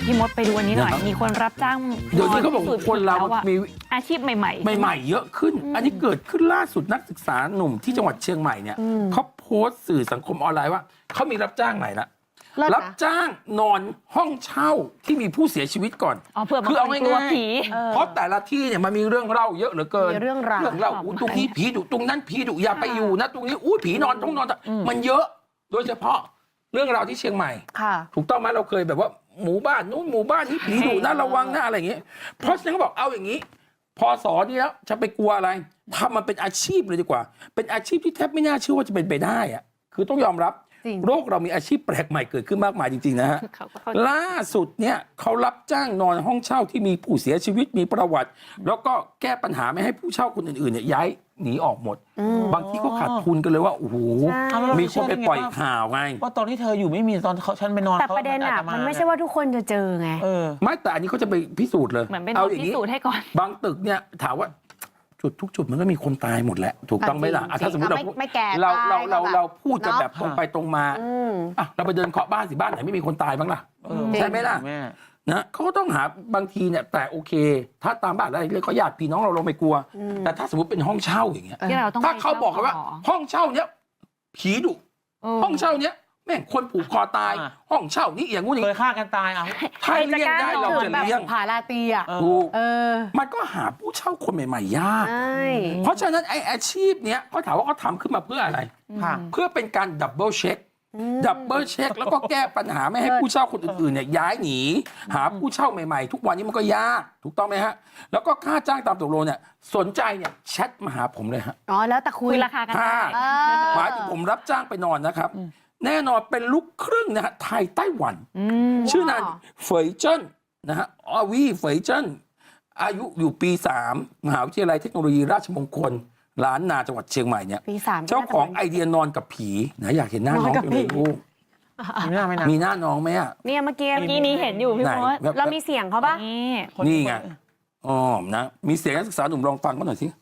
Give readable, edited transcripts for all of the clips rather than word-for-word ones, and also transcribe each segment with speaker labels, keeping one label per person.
Speaker 1: พี่มดไปดูอันนี้หน่อยมีคนรับจ้าง
Speaker 2: เดี๋ยวนี้เขาบอกคนเรามี
Speaker 1: อาชีพใหม่
Speaker 2: ๆเยอะขึ้นอันนี้เกิดขึ้นล่าสุดนักศึกษาหนุ่มที่จังหวัดเชียงใหม่เนี่ยเขาโพสต์สื่อสังคมออนไลน์ว่าเขามีรับจ้างใหม่ละรับจ้างนอนห้องเช่าที่มีผู้เสียชีวิตก่อน
Speaker 1: คือเอา
Speaker 2: ง่ายๆเพราะแต่ละที่เนี่ยมันมีเรื่องเล่าเยอะเหลือเกิน
Speaker 3: เรื่องเล่า
Speaker 2: ตรงนี้ผีดุตรงนั้นผีดุอย่าไปอยู่นะตรงนี้ผีนอนต้องนอนมันเยอะโดยเฉพาะเรื่องราวที่เชียงใหม่ถูกต้องไหมเราเคยแบบว่าหมู่บ้านนู้นหมู่บ้านนี้ผีดุนะระวังนะอะไรอย่างเงี้ยเพราะฉะนั้นเขาบอกเอาอย่างนี้พอสอนนี่แล้วจะไปกลัวอะไรทำมันเป็นอาชีพเลยดีกว่าเป็นอาชีพที่แทบไม่น่าเชื่อว่าจะเป็นไปได้อะคือต้องยอมรับโลกเรามีอาชีพแปลกใหม่เกิดขึ้นมากมายจริงๆนะฮะล่าสุดเนี่ยเขารับจ้างนอนห้องเช่าที่มีผู้เสียชีวิตมีประวัติแล้วก็แก้ปัญหาไม่ให้ผู้เช่าคนอื่นๆเนี่ยย้ายหนีออกหมดบางทีก็ขาดทุนกันเลยว่าโอ้โหมีคนไปปล่อยข่าวไง
Speaker 4: ว่าตอนที่เธออยู่ไม่มีตอนฉันไปนอน
Speaker 3: แต่ประเด็นอ่ะมันไม่ใช่ว่าทุกคนจะเจอไง
Speaker 2: ไม่แต่อันนี้เขาจะไปพิสูจน์เลย
Speaker 1: เหมือนเป็นพิสูจน์ให้ก่อน
Speaker 2: บางตึกเนี่ยถามว่าจุดทุกจุดมันก็มีคนตายหมดแหละถูกต้องไหมล่ะถ้าสมมติเราพูดกันแบบตรงไปตรงมาเราไปเดินเคาะบ้านสิบ้านไหนไม่มีคนตายบ้างล่ะใช่ไหมล่ะนะเขาก็ต้องหาบางทีเนี่ยแต่โอเคถ้าตามบ้านอะไรเรียกเขาญาติพี่น้องเราไม่กลัวแต่ถ้าสมมติเป็นห้องเช่าอย่างเงี้ยถ้าเขาบอกกันว่าห้องเช่าเนี้ยผีดุห้องเช่าเนี้ยแม่งคนผูกคอตายห้องเช่านี้อย่างงู้นอย่าง
Speaker 4: เคยฆ่ากันตายเอา
Speaker 2: ถ้าเลี้ยงได้เราจะเลี้ยง
Speaker 3: ผาลาตีอ่ะ
Speaker 2: มันก็หาผู้เช่าคนใหม่ๆยากเพราะฉะนั้นไออาชีพเนี้ยเขาถามว่าเขาทำขึ้นมาเพื่ออะไรเพื่อเป็นการดับเบิลเช็คแล้วก็แก้ปัญหาไม่ให้ผู้เช่าคนอื่นๆเนี่ยย้ายหนีหาผู้เช่าใหม่ๆทุกวันนี้มันก็ยากถูกต้องไหมฮะแล้วก็ค่าจ้างตามตกลงเนี่ยสนใจเนี่ยแชทมาหาผมเลยฮะ
Speaker 3: แล้วแต่คุย
Speaker 1: ราคากัน
Speaker 2: หมายถึงผมรับจ้างไปนอนนะครับแน่นอนเป็นลูกครึ่งนะฮะไทยไต้หวันชื่อนางเฟยเจิ้นนะฮะเฟยเจิ้นอายุอยู่ปี 3 มหาวิทยาลัยเทคโนโลยีราชมงคลล้านนาจังหวัดเชียงใหม่เนี่ยเจ้าของไอเดียนอนกับผีนะอยากเห็นหน้าน้องจังเลยลูกมีหน้าน้องไหมอ่ะ
Speaker 3: เนี่ยเมื่อกี้
Speaker 1: นี้เห็นอยู่พี่มด
Speaker 3: เรามีเสียงเขาปะ
Speaker 2: นี่ไงนะมีเสียงนักศึกษาหนุ่มลองฟังกันหน่อยสิ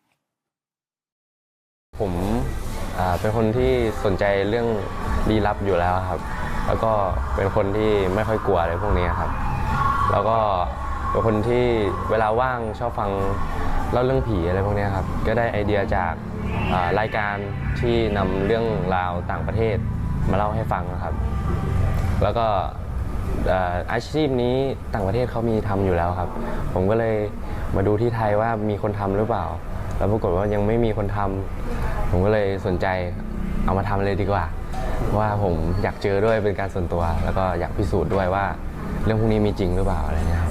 Speaker 5: ผมเป็นคนที่สนใจเรื่องลี้ลับอยู่แล้วครับแล้วก็เป็นคนที่ไม่ค่อยกลัวอะไรพวกนี้ครับแล้วก็เป็นคนที่เวลาว่างชอบฟังเล่าเรื่องผีอะไรพวกนี้ครับก็ได้ไอเดียจากรายการที่นำเรื่องราวต่างประเทศมาเล่าให้ฟังนะครับแล้วก็อาชีพนี้ต่างประเทศเขามีทำอยู่แล้วครับผมก็เลยมาดูที่ไทยว่ามีคนทำหรือเปล่าแล้วปรากฏว่ายังไม่มีคนทำผมก็เลยสนใจเอามาทำเลยดีกว่าเพราะว่าผมอยากเจอด้วยเป็นการส่วนตัวแล้วก็อยากพิสูจน์ด้วยว่าเรื่องพวกนี้มีจริงหรือเปล่าอะไรเงี้ยครับ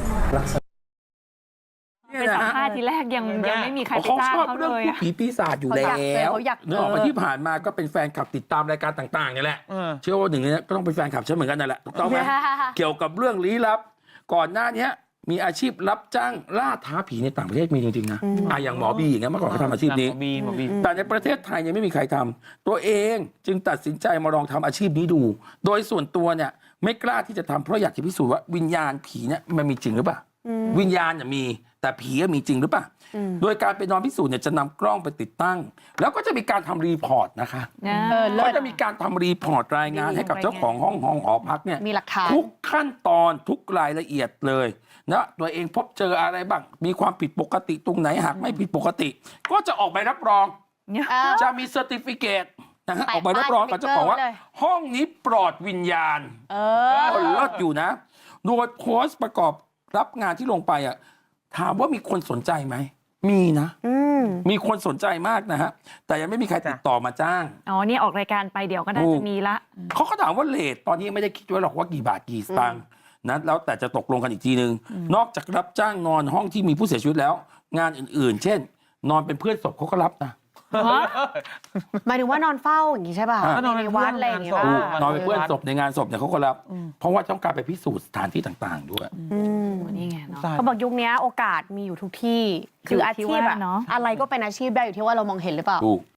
Speaker 1: เป็นสัมภาษณ์ทีแรกยังไม่มีใครไปจ้างเขาเลย
Speaker 2: ผีปีศาจอยู่แล้วเนื่องจากที่ผ่านมาก็เป็นแฟนคลับติดตามรายการต่างๆนี่แหละเชื่อว่าหนึ่งในนี้ก็ต้องเป็นแฟนคลับฉันเหมือนกันนั่นแหละถูกต้องไหมเกี่ยวกับเรื่องลี้ลับก่อนหน้านี้มีอาชีพรับจ้างล่าท้าผีในต่างประเทศมีจริงๆนะอย่างหมอบีอย่างเงี้ยเมื่อก่อนเขาทำอาชีพนี้แต่ในประเทศไทยยังไม่มีใครทำตัวเองจึงตัดสินใจมาลองทำอาชีพนี้ดูโดยส่วนตัวเนี่ยไม่กล้าที่จะทำเพราะอยากจะพิสูจน์ว่าวิญญาณผีเนี่ยมันมีจริงหรือเปล่าวิญญาณเนี่ยมีแต่ผีมีจริงหรือเปล่าโดยการไปนอนพิสูจน์เนี่ยจะนำกล้องไปติดตั้งแล้วก็จะมีการทำรีพอร์ตนะคะก็จะมีการทำรีพอร์ตรายงานให้กับเจ้าของห้องหอพักเนี่ย
Speaker 3: มีหลักฐาน
Speaker 2: ทุกขั้นตอนทุกรายละเอียดเลยนะตัวเองพบเจออะไรบ้างมีความผิดปกติตรงไหนหากไม่ผิดปกติก็จะออกใบรับรองจะมีเซอร์ติฟิเคตนะฮะออกใบรับรองกับเจ้าของว่าห้องนี้ปลอดวิญญาณคนเลิศอยู่นะโดยโพสต์ประกอบรับงานที่ลงไปอ่ะถามว่ามีคนสนใจไหมมีนะมีคนสนใจมากนะฮะแต่ยังไม่มีใครติดต่อมาจ้าง
Speaker 1: นี่ออกรายการไปเดี๋ยวก็น่าจะมีละ
Speaker 2: เขาก็ถามว่าเรทตอนนี้ไม่ได้คิดไว้หรอกว่ากี่บาทกี่สตางค์นะแล้วแต่จะตกลงกันอีกทีนึงนอกจากรับจ้างนอนห้องที่มีผู้เสียชีวิตแล้วงานอื่นๆเช่นนอนเป็นเพื่อนศพเขาก็รับนะ
Speaker 3: หมายถึงว่านอนเฝ้าอย่างนี้ใช่ป่ะนอนในวัดอะไรอย่างเงี้ย
Speaker 2: นอนเป็นเพื่อนศพในงานศพเนี่ยเขาก็รับเพราะว่าต้องการไปพิสูจน์สถานที่ต่างๆด้วย
Speaker 1: นี่ไง
Speaker 3: เขาบอกยุคนี้โอกาสมีอยู่ทุกที่คืออาชีพอะไรก็เป็นอาชีพได้อยู่ที่ว่าเรามองเห็นหรือเปล่า